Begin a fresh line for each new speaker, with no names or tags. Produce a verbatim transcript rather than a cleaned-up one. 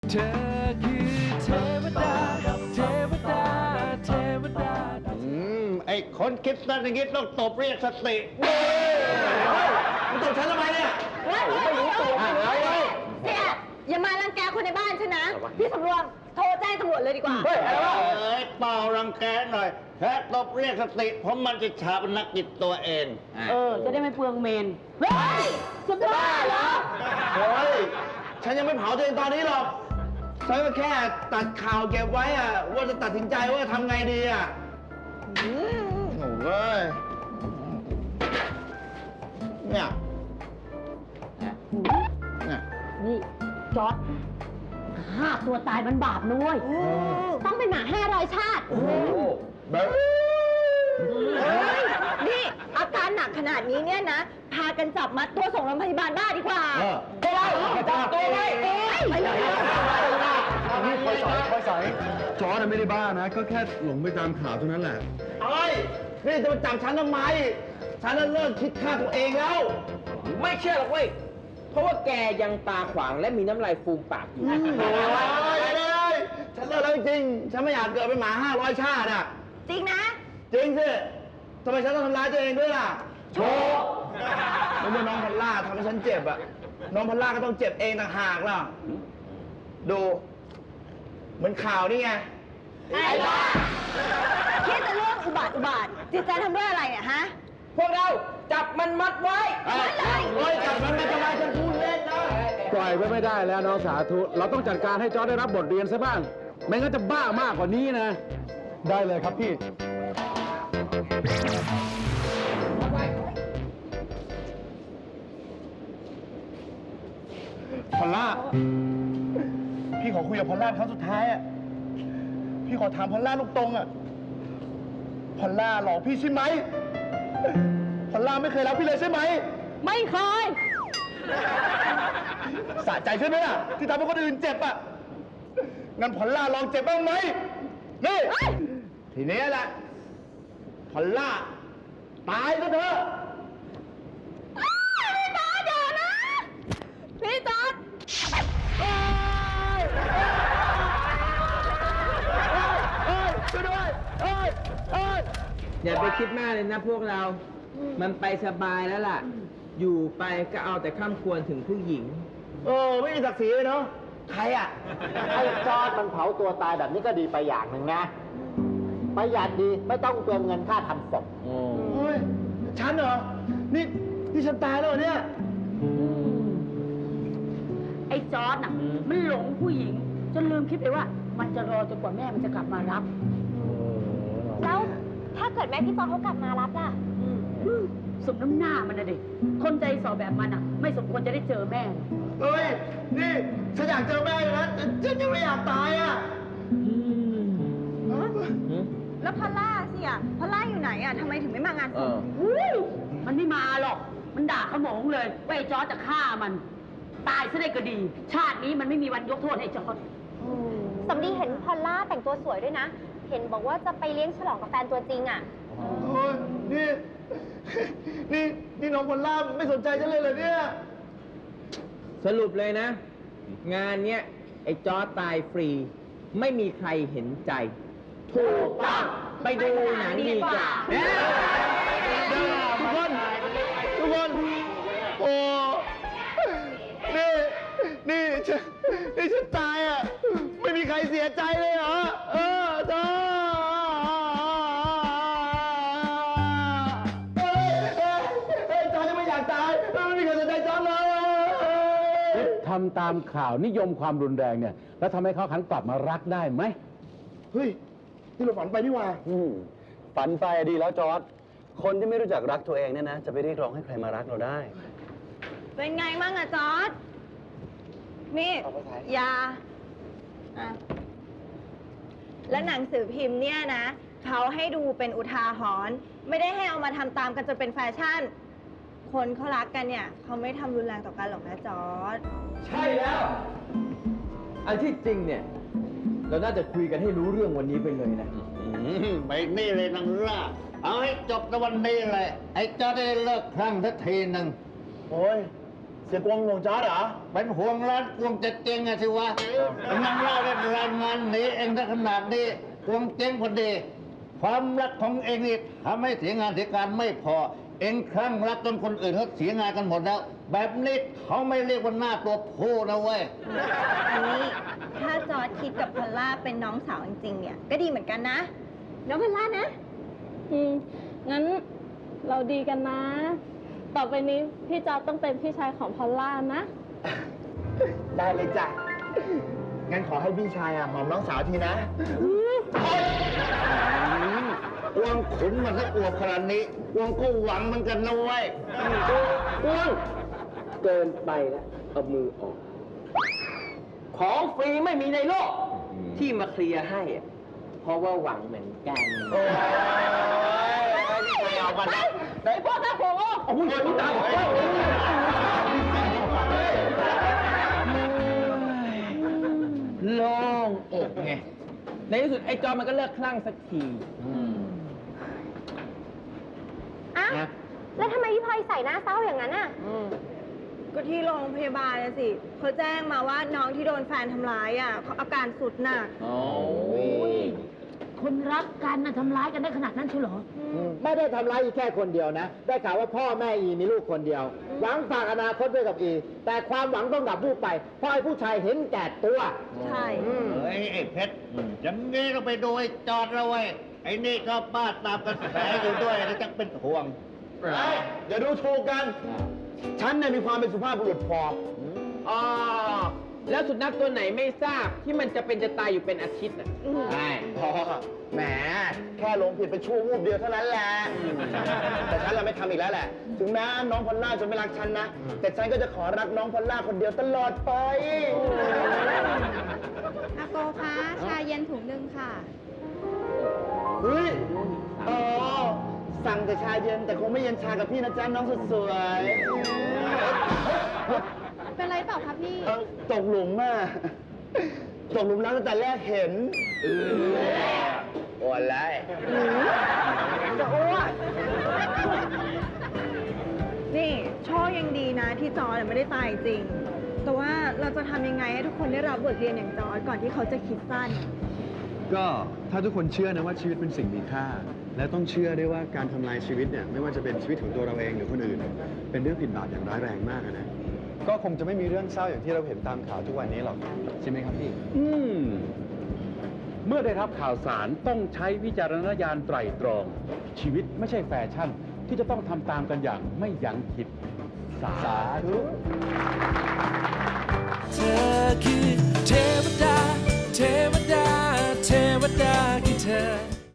เธอคือเทวดาเทวดาเทวดา
อืมไอ้คนคิดสั้นอย่างนี้ต้องตบเรียกสติเฮ้ยมึงตบฉันทำไมเนี่ย
ไม่รู้ตัวไม่รู้เลยเสียอย่ามารังแกคนในบ้านฉันนะ พี่สำรวมโทรแจ้งตำรวจเลยดีกว่า
เฮ้ยอะไรวะเอ้ยเปล่ารังแกหน่อยแค่ตบเรียกสติเพราะมันจะชาปนกิจตัวเอง
เออ จะได้ไม่เปลืองเมน
เฮ้ยจะบ้าเหรอ
เฮ้ยฉันยังไม่เผาตัวเองตอนนี้หรอกฉันก็แค่ตัดข่าวเก็บไว้อะว่าจะตัดสินใจว่าจะทำไงดีอะโอ้ยเนี่ยเนี่ย
นี่จอร์ดฆ่าตัวตายมันบาปนุ้ย
ต้องเป็นหมาห้าร้อยชาติ
แบบ
เฮ้ยนี่อาการหนักขนาดนี้เนี่ยนะ พากันจับมัดตัวส่งโรงพยาบาลบ้าดีกว่า
ไปเลยจับตัวไว้เอ้ยไปเลย
นี่คอยสายคอยสายจอร์ดไม่ได้บ้านะ ก็แค่หลงไปตามข่าวเท่านั้นแหละ
เอ้ยนี่จะมาจับฉันทำไม ฉันน่ะเลิกคิดฆ่าตัวเองแล้ว
ไม่เชื่อหรอกเว้ย เพราะว่าแกยังตาขวางและมีน้ำลายฟูมปากอยู่
โอ้ยเลยฉันเลิกแล้วจริง ฉันไม่อยากเกิดเป็นหมาห้าร้อยชาติอ่ะ
จริงนะ
จริงสิทำไมฉันต้องทำร้ายตัวเองด้วยล่ะ โชว์ไม่ใช่น้องพัลล่าทำให้ฉันเจ็บอ่ะ น้องพัลล่าก็ต้องเจ็บเองต่างหากล่ะ ดู เหมือนข่าวนี่ไง
ไอ้บ้าคิดแต่เรื่องอุบาทอุบาทจิตใจทำด้วยอะไรเนี่ยฮะ
พวกเราจับมันมัดไว้
เฮ้ยจับมันมาทำไมฉันพูดเล่นนะ
ปล่อยไว้ไม่ได้แล้วน้องสาธุ เราต้องจัดการให้จอร์ดได้รับบทเรียนซะบ้าง ไม่งั้นจะบ้ามากกว่านี้นะ ได้เลยครับพี่
พอลล่า พี่ขอคุยกับพอลล่าครั้งสุดท้ายอ่ะ พี่ขอถามพอลล่าลูกตรงอ่ะ พอลล่าหลอกพี่ใช่ไหม พอลล่าไม่เคยรักพี่เลยใช่ไหม
ไม่เคย
สะใจใช่ไหมล่ะ ที่ทำให้คนอื่นเจ็บอ่ะ งั้นพอลล่าลองเจ็บบ้างไหม นี่ ทีนี้แหละ พอลล่า ตายซะเถอะ
พี่จอร์ดอย่านะ พี่จอร์ด
ช่วยด้วยเอ้ยเอ้ย
อย่าไปคิดมากเลยนะพวกเรา มันไปสบายแล้วล่ะ อยู่ไปก็เอาแต่ข้ามควรถึงผู้หญิง
เออ ไม่มีศักดิ์ศรีเลยเนาะ ใครอ่ะ
ไอ้จอร์ดมันเผาตัวตายแบบนี้ก็ดีไปอย่างหนึ่งนะ ประหยัดดีไม่ต้องเปลืองเงินค่าทำศพ
เฮ้ย ฉันเหรอ นี่ นี่ฉันตายแล้วเหรอเนี่ย
ไอ้จอร์ดน่ะ มันหลงผู้หญิง จนลืมคิดไปว่า มันจะรอจนกว่าแม่มันจะกลับมารับ
แล้วถ้าเกิดแม่พี่จอร์ดเขากลับมารับล่ะ
สมน้ำหน้ามันนะดิคนใจสอแบบมันอ่ะ ไม่สมควรจะได้เจอแม่
เฮ้ย นี่ ฉันอยากเจอแม่อยู่นะแต่ฉันยังไม่อยากตายอ่ะ
แล้วพอลล่าสิอ่ะพอลล่าอยู่ไหนอ่ะทำไมถึงไม่มางานศพ
อุ้ยมันไม่มาหรอก มันด่าขโมงเลยว่าไอ้จอร์จจะฆ่ามัน ตายซะได้ก็ดี ชาตินี้มันไม่มีวันยกโทษให้จอร์จ
สำลีเห็นพอลล่าแต่งตัวสวยด้วยนะ เห็นบอกว่าจะไปเลี้ยงฉลองกับแฟนตัวจริงอ่ะ
โอ้ย นี่ นี่ นี่น้องพอลล่าไม่สนใจฉันเลยเหรอเนี่ย
สรุปเลยนะ งานเนี้ยไอ้จอร์จตายฟรี ไม่มีใครเห็นใจ ถูกต้องไปดูหนังดีกว่า
ทุกคน ทุกคน โอ้ นี่ นี่ฉัน นี่ฉันตายอ่ะ ไม่มีใครเสียใจเลยเหรอ เออเธอเฮ้ยเฮ้ยเฮ้ยจอร์จยังไม่อยากตาย ไม่มีใครสนใจจอร์จเลย
ทำตามข่าวนิยมความรุนแรงเนี่ย แล้วทำให้เขาหันกลับมารักได้ไหม
เฮ้ย นี่เราฝันไปนี่หว่า
อืมฝันไปดีแล้วจอร์ดคนที่ไม่รู้จักรักตัวเองเนี่ยนะ จะไปเรียกร้องให้ใครมารักเราได้
เป็นไงมั่งอะจอร์ดนี่ยาอ่ะแล้วหนังสือพิมพ์เนี่ยนะเขาให้ดูเป็นอุทาหรณ์ไม่ได้ให้เอามาทำตามกันจนเป็นแฟชั่น คนเขารักกันเนี่ยเขาไม่ทำรุนแรงต่อกันหรอกนะจอร์ด
ใช่แล้ว อันที่จริงเนี่ย เราน่าจะคุยกันให้รู้เรื่องวันนี้ไปเลยนะ
ไปนี่เลยนางล่า เอาให้จบในวันนี้เลย ไอ้จอร์จได้เลิกคลั่งสักทีหนึ่งโอ้ยเสียกวงห่วงจอร์ดเหรอ
เป็นห่วงร้านกวงจะเจ๊งอะสิวะกำลังเล่าได้รายงานหนีเองถ้าขนาดนี้กวงเจ๊งพอดี ความรักของเองนี่ทำให้เสียงานเสียการไม่พอ เองคลั่งรักจนคนอื่นเขาเสียงานกันหมดแล้ว แบบนี้เขาไม่เรียกว่าหน้าตัวผู้นะเว้ย
อันนี้ถ้าจอร์ดคิดกับพอลล่าเป็นน้องสาวจริงๆเนี่ย ก็ดีเหมือนกันนะ น้องพอลล่านะ
อืม งั้นเราดีกันนะ ต่อไปนี้พี่จอร์จต้องเป็นพี่ชายของพอลล่านะ
ได้เลยจ้ะ งั้นขอให้พี่ชายอ่ะหอมน้องสาวทีนะ
กวงขุนมันถ้าอวบขนาดนี้กวงก็หวังเหมือนกันนะเว้ย
กวงเกินไปแล้วเอามือออก ของฟรีไม่มีในโลก ที่มาเคลียร์ให้อะเพราะว่าหวังเหมือนกัน
โอ้ยไม่เอามานะได้พ่อตาผมอ่ะโอ้ยพี่ตาผม
โล่งอกไง ในที่สุดไอ้จอมันก็เลิกคลั่งสักที
อ่ะ แล้วทำไมพี่พลอยใส่หน้าเศร้าอย่างนั้นอ่ะ
ก็ที่โรงพยาบาลนะสิเขาแจ้งมาว่าน้องที่โดนแฟนทำร้ายอ่ะเขาอาการสุดหนัก
คนรักกันน่ะทำร้ายกันได้ขนาดนั้นใช่เหรอ
ไม่ได้ทำร้ายอีแค่คนเดียวนะ ได้ข่าวว่าพ่อแม่อีมีลูกคนเดียว หวังฝากอนาคตไว้กับอี แต่ความหวังต้องดับวูบไป เพราะไอ้ผู้ชายเห็นแก่ตัว
ใช่
เฮ้ยไอ้เพชรอย่างนี้เราไปดูไอ้จอดเราไว้ไอ้นี่ก็บ้าตามกระแสอยู่ด้วยแล้วจะเป็นห่วง
เฮ้ยอย่าดูถูกกัน ฉันเนี่ยมีความเป็นสุภาพบุรุษพอ
อ๋อ แล้วสุนัขตัวไหนไม่ทราบที่มันจะเป็นจะตายอยู่เป็นอาทิตย์อ่ะ
ใช่พอแหม แค่หลงผิดไปชั่ววูบเดียวเท่านั้นแหละ แต่ฉันเราไม่ทำอีกแล้วแหละ ถึงแม้น้องพอลล่าจะไม่รักฉันนะ แต่ฉันก็จะขอรักน้องพอลล่าคนเดียวตลอดไป
อาโกคะ ชาเย็นถุงหนึ่งค่ะ
เฮ้ย อ๋อ สั่งแต่ชาเย็นแต่คงไม่เย็นชากับพี่นะจ๊ะน้องสุดสวย
เป็นไรเปล่าคะพี่
เอ้าตกหลุมอ่ะ ตกหลุมรักตั้งแต่แรกเห็นโอ้อะไรจะอ้วน
นี่โชคยังดีนะที่จอร์ดไม่ได้ตายจริง แต่ว่าเราจะทำยังไงให้ทุกคนได้รับบทเรียนอย่างจอร์ดก่อนที่เขาจะคิดสั้น
ก็ถ้าทุกคนเชื่อนะว่าชีวิตเป็นสิ่งมีค่า และต้องเชื่อด้วยว่าการทำลายชีวิตเนี่ยไม่ว่าจะเป็นชีวิตของตัวเราเองหรือคนอื่น เป็นเรื่องผิดบาปอย่างร้ายแรงมากอะนะ ก็คงจะไม่มีเรื่องเศร้าอย่างที่เราเห็นตามข่าวทุกวันนี้หรอกใช่ไหมครับพี่ อืม เมื่อได้รับข่าวสารต้องใช้วิจารณญาณไตร่ตรอง ชีวิตไม่ใช่แฟชั่นที่จะต้องทำตามกันอย่างไม่ยั้งคิด สาธุ
เธอคือเทวดา เทวดา เทวดาคือเธอ